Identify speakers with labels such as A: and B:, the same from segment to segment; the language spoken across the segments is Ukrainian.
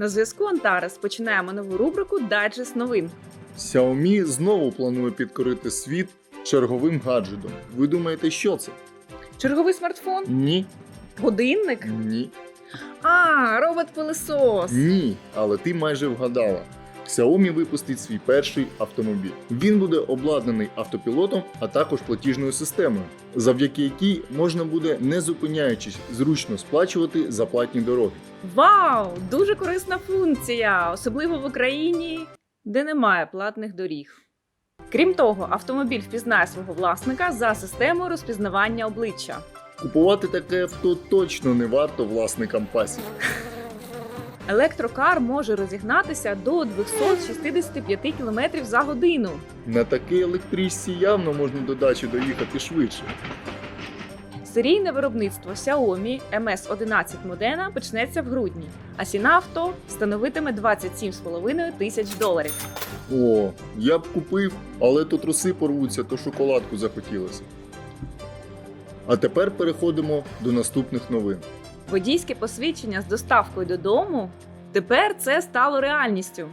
A: На зв'язку Антарес. Починаємо нову рубрику «Дайджест новин».
B: Xiaomi знову планує підкорити світ черговим гаджетом. Ви думаєте, що це?
A: Черговий смартфон?
B: Ні.
A: Годинник?
B: Ні.
A: Робот-пилисос.
B: Ні, але ти майже вгадала. Xiaomi випустить свій перший автомобіль. Він буде обладнаний автопілотом, а також платіжною системою, завдяки якій можна буде, не зупиняючись, зручно сплачувати за платні дороги.
A: Вау! Дуже корисна функція, особливо в Україні, де немає платних доріг. Крім того, автомобіль впізнає свого власника за системою розпізнавання обличчя.
B: Купувати таке авто точно не варто власникам пасів.
A: Електрокар може розігнатися до 265 км за годину.
B: На такій електричці явно можна до дачі доїхати швидше.
A: Серійне виробництво Xiaomi MS-11 Modena почнеться в грудні, а ціна авто становитиме $27,5 тисяч.
B: О, я б купив, але то труси порвуться, то шоколадку захотілося. А тепер переходимо до наступних новин.
A: Водійське посвідчення з доставкою додому – тепер це стало реальністю.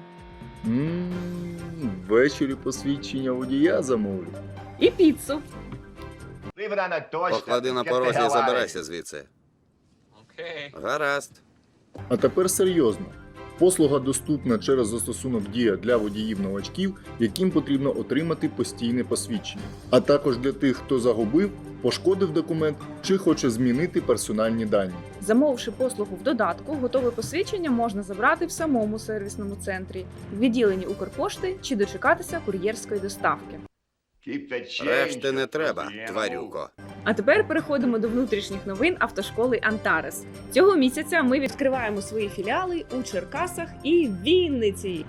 B: Ввечері посвідчення водія замовлю.
A: І піцу.
C: Поклади на порозі і забирайся звідси. Гаразд.
B: А тепер серйозно. Послуга доступна через застосунок Дія для водіїв-новачків, яким потрібно отримати постійне посвідчення. А також для тих, хто загубив, пошкодив документ чи хоче змінити персональні дані.
A: Замовивши послугу в додатку, готове посвідчення можна забрати в самому сервісному центрі, в відділенні Укрпошти чи дочекатися кур'єрської доставки.
C: Решти не треба, тварюко.
A: А тепер переходимо до внутрішніх новин автошколи Антарес. Цього місяця ми відкриваємо свої філіали у Черкасах і Вінниці.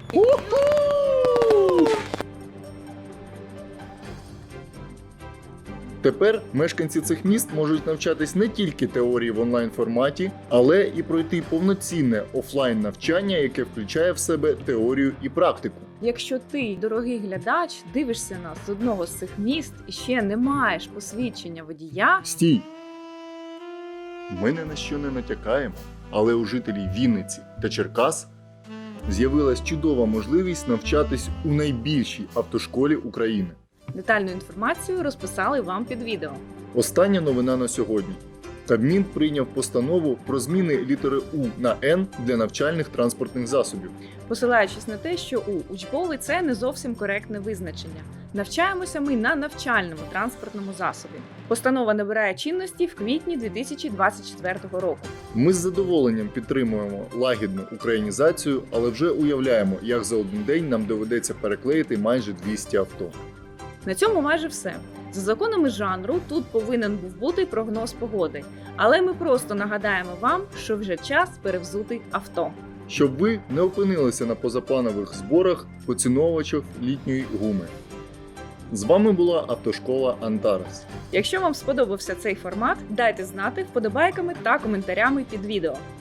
B: Тепер мешканці цих міст можуть навчатись не тільки теорії в онлайн-форматі, але і пройти повноцінне офлайн-навчання, яке включає в себе теорію і практику.
A: Якщо ти, дорогий глядач, дивишся нас з одного з цих міст і ще не маєш посвідчення водія,
B: Стій! Ми ні на що не натякаємо, але у жителів Вінниці та Черкас з'явилась чудова можливість навчатись у найбільшій автошколі України.
A: детальну інформацію розписали вам під відео.
B: Остання новина на сьогодні. Кабмін прийняв постанову про зміни літери У на Н для навчальних транспортних засобів.
A: Посилаючись на те, що учбовий – це не зовсім коректне визначення. Навчаємося ми на навчальному транспортному засобі. Постанова набирає чинності в квітні 2024 року.
B: Ми з задоволенням підтримуємо лагідну українізацію, але вже уявляємо, як за один день нам доведеться переклеїти майже 200 авто.
A: На цьому майже все. За законами жанру тут повинен був бути прогноз погоди. Але ми просто нагадаємо вам, що вже час перевзути авто.
B: Щоб ви не опинилися на позапланових зборах поціновувачів літньої гуми. З вами була автошкола Антарес.
A: Якщо вам сподобався цей формат, дайте знати вподобайками та коментарями під відео.